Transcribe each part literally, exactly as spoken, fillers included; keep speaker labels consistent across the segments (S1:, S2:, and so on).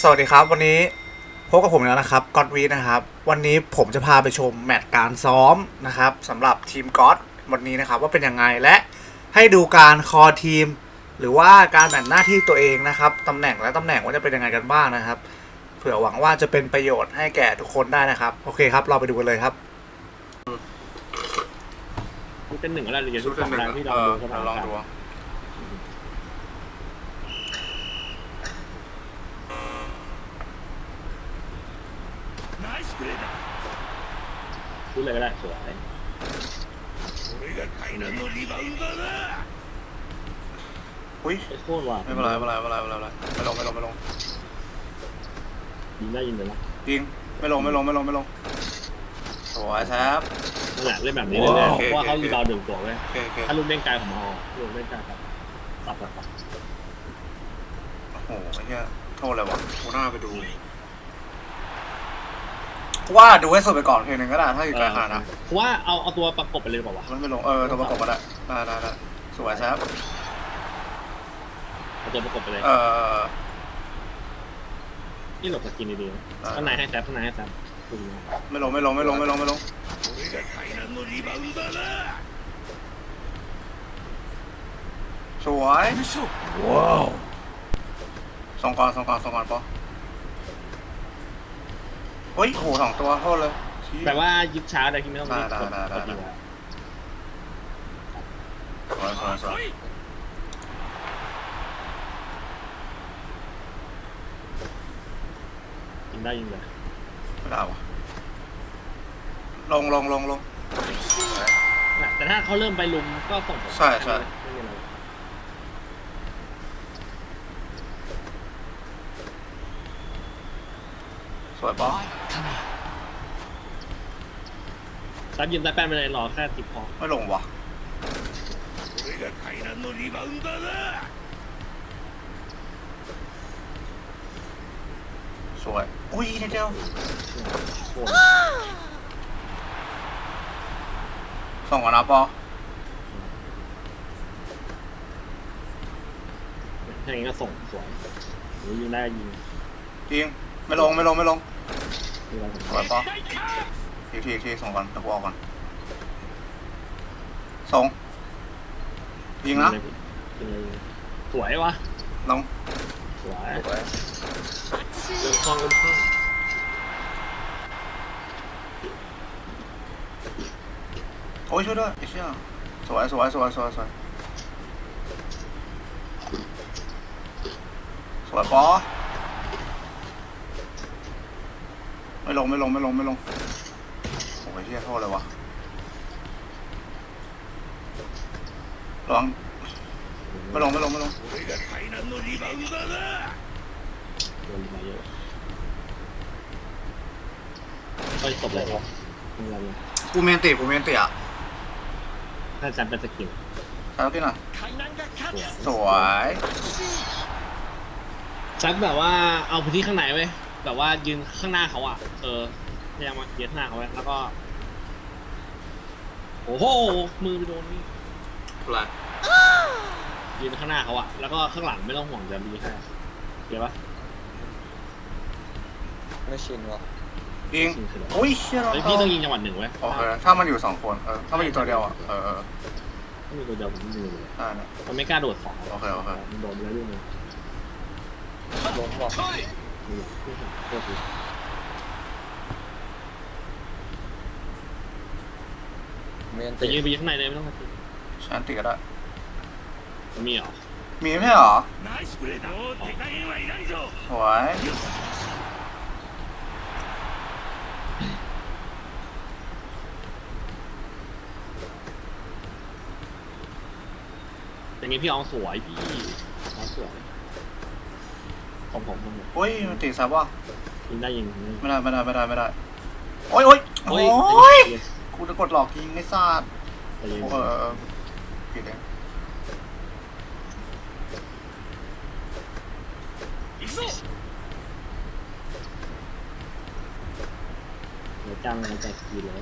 S1: สวัสดีครับวันนี้พบกับผมแล้วนะครับก็อดวีนะครับวันนี้ผมจะพาไปชมแมตช์การซ้อมนะครับสำหรับทีมก็อดวันนี้นะครับว่าเป็นยังไงและให้ดูการคอทีมหรือว่าการแบ่งหน้าที่ตัวเองนะครับตำแหน่งและตำแหน่งว่าจะเป็นยังไงกันบ้างนะครับเผื่อหวังว่าจะเป็นประโยชน์ให้แก่ทุกคนได้นะครับโอเคครับเราไปดูกันเลยครับ
S2: ชุดเป็นหนึ่งก็ได้หรือชุดเป็นหนึ่งที่เราลองดูชุดเลยก็ได้สวย
S1: อุ้ย
S2: โคตรว่ะ
S1: ไม่เป็นไรไม่เป็นไรไม่เป็นไรไม่เป็นไรไม่ลงไม่ลงไม่ลง
S2: ยิงได้ยิงเลยนะ
S1: ยิงไม่ลงไม่ลงไม่ลงไม่ลงสวยครับ
S2: นั่นแหละเล่นแบบนี้เลยเพราะว่าเขารีบาวดึงตัวไว้ถ้าลูกเล่นไกลของมอลูกเล่นไกลครับตัดตัดตัด
S1: โอ้โหไอ้เหี้ยโทษเลยวะกูน่าไปดูว่าดูให้สุดไปก่อนเพลงหนึ่งก็ได้ถ้าอยู่ไกลขนาดนั้น
S2: ว่าเอาเอาตัวประกบไปเลยบอกว่า
S1: มันไม่ลงเออตัวประกบก็ได้ได้ได้ได้สวยครับ
S2: เอาตัวประกบไปเลย
S1: เออ
S2: นี่หลบสกินดีๆข้างในให้แซฟข้างในให้แซฟ
S1: ไม่ลงไม่ลงไม่ลงไม่ลงไม่ลงสวยว้าวสองกอนสองกอนสองกอนปะเฮ้ยโหสองตัวโทษเลย
S2: แต่ว่ายิบช้าเลยที่ไม่ต้อง
S1: ได้ได้ได้ได้สวยสวยสวย
S2: ยิงได้ยิงเลย
S1: ไม่ได้วะลงลงลงลง
S2: แต่ถ้าเขาเริ่มไปลุมก็ส่ง
S1: ใช่ใช่สวยปะ
S2: ซับยิงได้แป้นไปเลยรอแค่ติดพอ
S1: ไม่ลงวะสวยอุ้ยนิดเดียวส่งก่อนนะปอ
S2: ถ้าอย่างนี้ก็ส่งสวยหรือยิงได้ยิง
S1: ยิงไม่ลงไม่ลงไม่ลงสวยปอทีทีทีส่งก่อนตะวอก่อนส่งยิงนะ
S2: สวยวะ
S1: ลง
S2: สวยเดินคล้องเดินคล้อง
S1: โอ้ยช่วยด้วยไอ้เชี่ยสวยสวยสวยสวยสวยสวยปอไม่ลงไม่ลงไม่ลงไม่ลงโอ้ยเชี่ยโทษเลยวะลองไม่ลงไม่ลงไม่ลง
S2: ก็จบเลยครับ
S1: กูเมนติกูเมนติอ่ะ
S2: ถ้าจันเป็นสกิล
S1: ใช่ที่ไหนสวย
S2: จันแบบว่าเอาพื้นที่ข้างในไว้แบบว่ายืนข้างหน้าเขาอ่ะเออพยายามมายืนข้างหน้าเขาไว้แล้วก็โอ้โหมือไปโดนนี่
S1: อะไร
S2: ยืนข้างหน้าเขาอ่ะแล้วก็ข้างหลังไม่ต้องห่วงจะมีให้เดี๋ยวปะ
S3: ไม่ชินวะ
S1: ยิงโอ้ยเชี่ยเรา
S2: พี่ต้องยิงจังหวัดหนึ่งไว้
S1: โอเคถ้ามันอยู่สองคนเออถ้ามันอยู่ตัวเดียวอ่ะเออ
S2: ถ้ามีตัวเดียวผมยิงเลย
S1: อ่าเนี่ย
S2: มันไม่กล้าโดดสอง
S1: โอเคโอเค
S2: มันโดนไปแล้วด้วยนึง
S3: โดนบอก
S2: แต่ยืนไปยืนข้างในเลยไม่ต้องมาติด
S1: ฉันติดก็ได้
S2: มีเหรอ
S1: มีไม่ใช่เหรอสวย
S2: อย่างนี้พี่อองสวยพี่อองสวยผมผมผม
S1: โอ้ยมันติดซับว่ะ
S2: ยิงได้ยิง
S1: ไม่ได้ไม่ได้ไม่ได้ไม่ได้โอ้ยโอ้ยโอ้ยกูจะกดหลอกยิงไม่ทราบเออผิดเอง
S2: เดี๋ยวจ้างมันจะกินเลย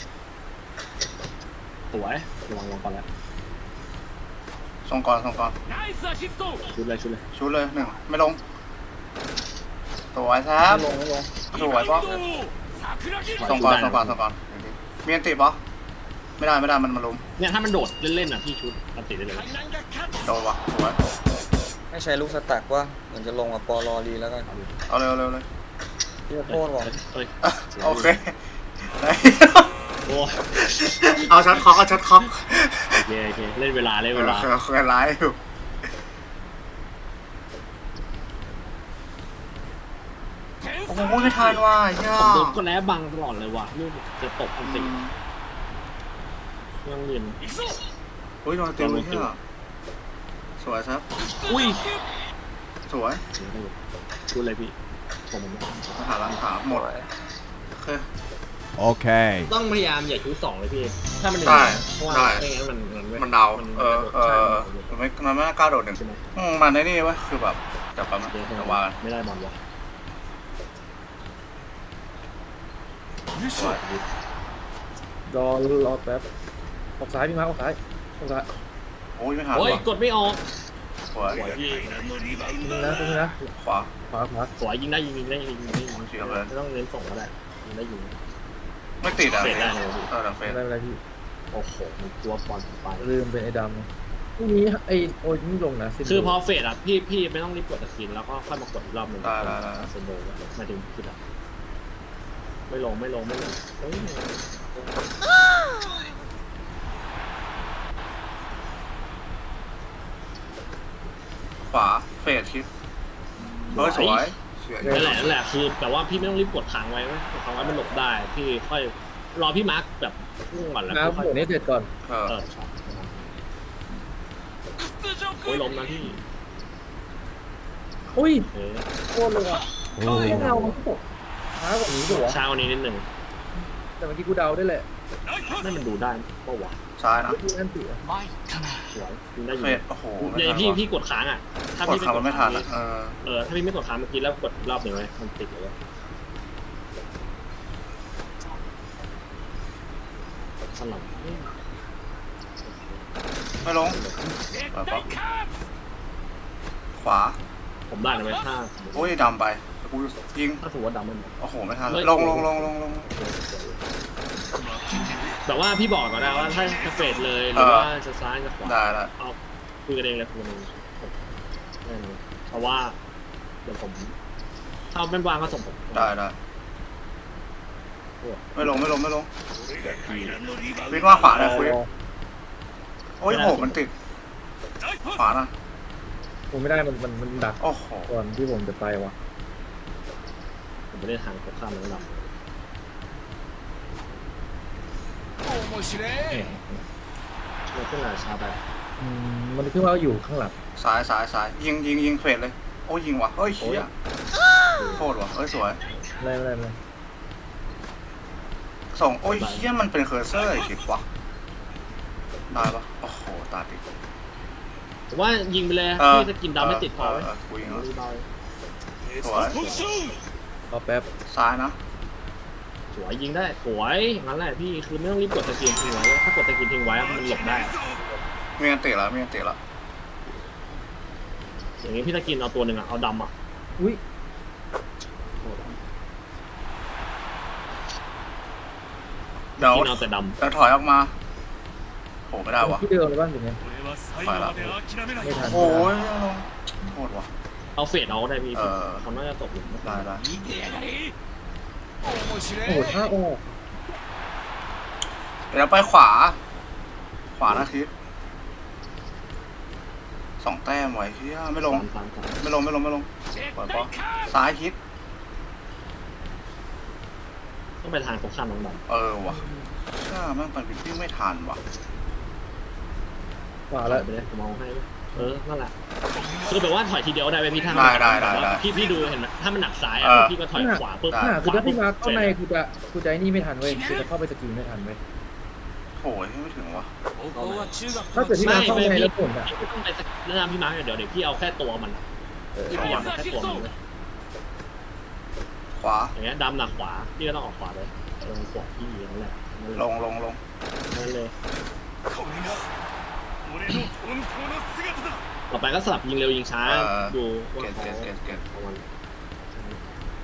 S2: สวยระวังลงก่อนแล้ว
S1: ส่งก่อนส่งก่อน
S2: ชุดเลยชุดเลย
S1: ชุดเลยหนึ่งไม่ลงสวยครับ
S3: ไม่ลงไม่ลง
S1: สวยปะส่งก่อนส่งก่อนส่งก่อนมีอันติปะไม่ได้ไม่ได้มันมาลุม
S2: เนี่ยถ้ามันโดดเล่นๆอ่ะพี่ชุดอันติได้เลย
S1: โดนวะสวย
S3: ให้ใช้ลูกสตักว่าเหมือนจะลงกับปอลอรีแล้วกัน
S1: เอาเร็วเร็วเลย
S3: พี่โทษบอก
S2: เอ้ย
S1: โอเค
S2: โอ้
S1: เอาช็อตคอกเอาช็อตคอก
S2: โอเคโอเคเล่นเวลาเล่นเวลา
S1: เคยไลฟ์อยู่โอ้โหไม่ทันว่ะย่า
S2: ผมโดนคนแอบบังตลอดเลยว่ะลูกจะตกอันติยังเรียน
S1: อุ้ยโดนตีมือเนี่ยสวยครับ
S2: อุ้ย
S1: สวย
S2: พูดอะไรพี่ผม
S1: มาหาหลังขาหมดโอเค
S4: Okay.
S2: ต้องพยายามอย่าชุดสองเลยพี่ถ้ามันหนึ่ง
S1: ได้
S2: เพราะว่า
S1: ได้
S2: ไม่งั้นมันมัน
S1: มันเดาเออเอ
S2: ใช่
S1: อมันไม่มันไม่กล้าโดดหนึ่ง
S2: ใช่ไหม
S1: อืมมันในนี่วะคือแบบจับปั๊มนะแต่ว่า
S2: ไม่ได้บอลวะ
S1: สวย
S5: รอรอแป๊บออกซ้ายพี่มาร์คออกซ้ายออกซ้าย
S1: โอ้ยไม่ทัน
S2: โอ้ย
S1: ว่ะ
S2: กดไม่ออก
S1: สวย
S2: สวยพี่
S5: นี่นะตรงนี้นะ
S1: ขวา
S5: ขวาขวา
S2: สวยยิงได้ยิงยิงได้ยิงยิงได้ยิง
S1: เสียเลย
S2: ไม่ต้องเน้นส่งก็ได้ยิงได้ยิง
S1: ไม่ติดอ่ะ
S2: เฟดได้เลยพี่
S1: เออแต่เฟ
S5: ไม่
S1: ด
S5: ได้ไม่ได้พี่
S2: โอ้โหมันตัวบอลไป
S5: ลืมเป็นไอ้ดำพรุ่งนี้ไอ้โอ้ยนี่ลงนะสิบ
S2: คือพอเฟดอ่ะพี่พี่ไม่ต้องรีบกดตะกินแล้วก็ค่อยมากดอีกรอบหนึ่ง
S1: ได้ได้ได้
S2: เซนโดมาถึงคิดอ่ะไม่ลงไม่ลงไม่ลงเฮ้ย
S1: ขวาเฟดชิดเฮ้ยสวยเสีย
S2: นั่นแหละนั่นแหละคือแต่ว่าพี่ไม่ต้องรีบกดค้างไว้ไหมกดค้างไว้มันหลบได้พี่ค่อยรอพี่มาร์คแบบพุ่งก่อนแล้ว
S5: น้ำ
S2: ค่อย
S5: เดี๋ยวนี้เสร็จก่อน
S1: เออ
S2: เออโอ้ยล้มนะพี่
S5: อุ้ย
S2: เออ
S5: โคตรเลยอ่ะไม่เดามันก็ตกช้ากว่านี้ด้วยวะ
S2: เช้านี้นิดหนึ่ง
S5: แต่เมื่อกี้กูเดาได้แหละ
S2: นั่นมันดูได้ปะวะ
S1: ซ้ายนะ
S5: พี่นั่นติอ่ะ
S2: สวยยิงได้อ
S1: เฟ
S2: ยู่
S1: ดโอ้โห
S2: เนี่
S1: ไม่
S2: ย
S1: ทัน
S2: พี่
S1: ว่ะ
S2: พี่กดค้างอ่ะถ้าก
S1: ด
S2: พี่
S1: คำมันไม่ทันอ่ะเออ
S2: เออถ้าพี่ไม่กดค้างเมื่อกี้แล้วกดอีกรอบหนึ่งไว้มันติดเลยสลับ
S1: ไม่ลงเปิดปั๊บขวา
S2: ผมได้เลยถ้า
S1: โอ้ยดำไปกูยิง
S2: ถ้าสมมติว่าดำมัน
S1: โอ้โหไม่ทันลงลงลงลงลง
S2: แต่ว่าพี่บอกก่อนนะว่าถ้าจะเฟดเลยหรือว่าจะซ้ายจะขวา
S1: ได้ละ
S2: เอาคุยกันเองเลยคุยกันเองแน่นอนเพราะว่าเดี๋ยวผมถ้าเป็นวางก็ส่งผม
S1: ได้ได้ไม่ลงไม่ลงไม่ลงวิ่งว่าขวาเลยคุยโอ้ยโหมันติดขวานะ
S5: ผมไม่ได้มันมันมันดัก
S1: โอ้โห
S5: ก่อนที่ผมจะไปว่ะ
S2: ผมไม่ได้ทางตรงข้ามเลยนะเราขึ้นมาชาไป
S5: อืมมันขึ้นมาอยู่ข้างหลัง
S1: ซ้ายซ้ายซ้ายยิงยิงยิงเฟดเลยโอ้ยยิงว่ะเฮ้ยเฮียโทษว่ะเฮ้ยสวย
S5: ไม่ไม่ไม่
S1: ส่งโอ้ยเฮียมันเป็นเคอร์เซอร์ไอ้คิดว่ะได้ปะโอ้โหตาติด
S2: ผมว่ายิงไปเลย
S1: เออ
S2: พี่จะกินดาวไม่ติดพอไหม
S1: เออกูยิงแล้ว
S2: รีบาว
S1: สวย
S5: รอแป๊บ
S1: ซ้ายนะ
S2: สวยยิงได้สวยงั้นแหละพี่คือไม่ต้องรีบกดตะเกียงทิ้งไว้ถ้ากดตะเกียงทิ้งไว้มันหลบได้
S1: มีอันติแล้วมีอันติแล้ว
S2: อย่างนี้พี่ตะกินเอาตัวหนึ่งอ่ะเอาดำอ่ะ
S5: อุ้ย
S1: เดี๋ยว
S2: กินเอาแต่ด
S1: เดี๋ยวถอยออกมาโหไม่ได้วะ
S5: ที่เดิมเลยบ้างอย่างเงี้ย
S1: ถอยแล้ว
S5: ไม่ทัน
S1: โอ้ยลงโทษว่ะ
S2: ำเอาเฟดเอาได้พี่
S1: เออ
S2: เขาน่าจะตกหลุม
S1: ได้ได้
S5: โอ้โหท่าออก
S1: เดี๋ยวไปขวา ขวานะทิศสองแต้มไว้เฮียไม่ลง
S2: ตามตามตาม
S1: ไม่ลงไม่ลงไม่ลงปล่อยปอซ้ายทิศ
S2: ต้องไปทางตรงข้ามน้องด
S1: เออว่ะช่าแม่งไปวิ่งไม่ทันว่ะ
S5: ขวา
S2: ำ
S5: แล้ว
S2: ไปเลยผมเอาให้เออนั่นแหละคือแบบว่าถอยทีเดียวได้ไหมพี่ถ้า
S1: ได้ได้ได้ได้
S2: พี่พี่ดูเห็นไหมถ้ามันหนักซ้ายอ่ะ
S1: เออ
S2: พี่ก็ถอยขวาปุ๊บ
S1: ได้
S5: อ่าคือถ้าพี่มาร์คเข้าในกูจะกูจะไอ้นี่ไม่ทันเว้ยกูจะเข้าไปสกิลไม่ทันเว้ย
S1: โอ้ยไม่ถึงว่ะ
S5: ถ้าเกิดพี่มาร์คเข้าในแล้วผลอ่ะ
S2: พี่ต้องไปแนะนำพี่มาร์คเดี๋ยวเดี๋ยวพี่เอาแค่ตัวมันพี่พยายามเอาแค่ตัวมันเลย
S1: ขวา
S2: อย่างเงี้ยดำหนักขวาพี่ก็ต้องออกขวาเลยลงขวาพี่อย่างนั้นแหละนั่น
S1: ล
S2: เลย
S1: งลงลง
S2: นั่นเลยต่อไปก็สลับยิงเร็วยิงช้าดูว่า
S1: เกต
S2: เขา
S1: เกตเกตเกต
S2: ของมัน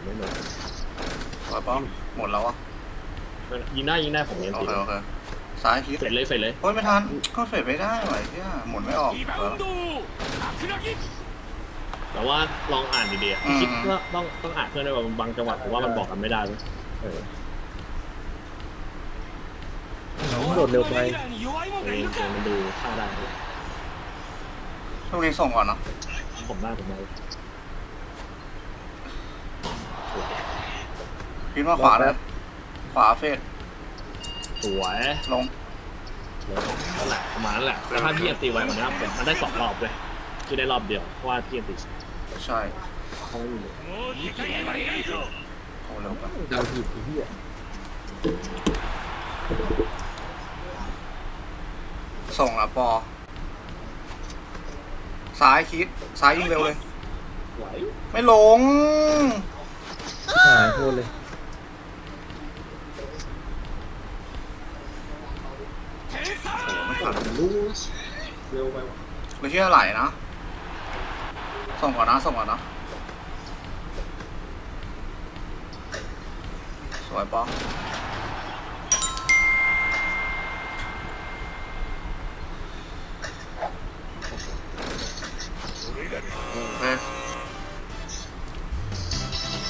S2: ไม่โดน
S1: สวยป้อมหมดแล้วอ่ะ
S2: ยิงได้ยิงได้ผมเน้น
S1: โอ
S2: ตี
S1: เคโอเคซ้ายคิด
S2: เฟดเลยเฟดเลย
S1: โอ้ยไม่ทันก็เฟดไม่ได้ไหวเนี่ยหมุนไม่ออกเออ
S2: แต่ว่าลองอ่านดี
S1: อืม
S2: ๆคิดว่าต้องต้องอ่านเพื่อนด้วยว่าบางจังหวะผมว่ามันบอกกันไม่ได้เลยเออ
S5: โดดเร็วไป
S2: เออเกมมันดูท่าได้
S1: ช่วงนี้ส่งก่อนเนาะ
S2: ผมได้ผมได้
S1: คิดว่าขวาเลยขวาเฟด
S2: สวย
S1: ลง
S2: นั่นแหละประมาณนั้นแหละแต่ถ้าพี่ยังตีไว้มันนะมันได้สองรอบเลยคือได้รอบเดียวเพราะว่าพี่ยังตี
S1: ใช่
S2: เขาไม่มี
S1: โอ้เร็วไป
S5: ดาวถีบไอ้เหี้ย
S1: ส่งละปอซ้ายคิดซ้ายยิงเร็วเลย
S2: ไหว
S1: ไม่ลง
S5: หายโคตรเลย
S1: ไม่ทัน
S2: รู้เร็วไปวะ
S1: ไม่เชื่อไหลนะส่งก่อนนะส่งก่อนนะสวยปอ